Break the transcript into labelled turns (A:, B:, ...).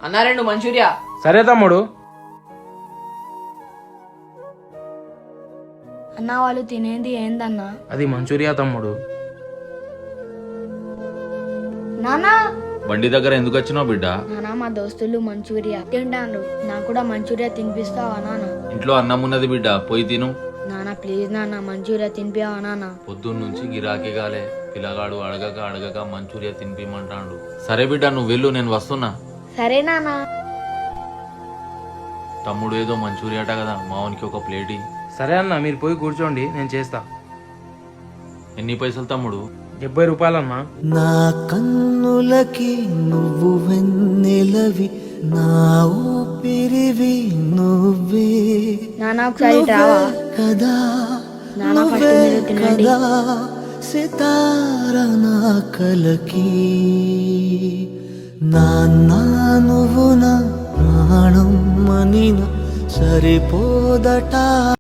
A: అన్నా 2 మంచూరియా.
B: సరే తమ్ముడు.
C: అన్న వాళ్ళు తినేది ఏందన్నా?
B: అది మంచూరియా తమ్ముడు.
C: నానా
D: బండి దగ్గర ఎందుకు వచ్చినావు బిడ్డ?
C: నానా మా దోస్తులు మంచూరియా తింటాను, నాకు కూడా మంచూరియా తినిపిస్తావా నాన్న?
D: ఇంట్లో అన్నం ఉన్నది బిడ్డ, పోయి తిను.
C: నానా ప్లీజ్ నాన్న మంచూరియా తినిపివా నాన్న?
D: పొద్దున్న నుంచి గిరాకీ గాలే, పిల్లగాడు అడగక మంచూరియా తినిపిమంటాడు. సరే బిడ్డ నువ్వు వెళ్ళు, నేను వస్తున్నా.
C: సరే నానా.
D: తమ్ముడు ఏదో మంచూరియా అట కదా, మావనికి ఒక ప్లేట్ ఇయ్యి.
B: సరే అన్న, మీరు పోయి కూర్చోండి, నేను చేస్తా.
D: ఎన్ని పైసలు తమ్ముడు?
B: 70 రూపాయలన్నా.
E: నా కన్నులకి నువ్వు వెన్నెలవి, నా ఊపిరివి నువ్వే
C: నానా ఒకసారి రావా?
E: కదా
C: నానా ఫస్ట్ మీరు తినండి.
E: కదా సితార నా కలకి, నాన్న నువ్వు నా ప్రాణం మనిన సరిపోదట.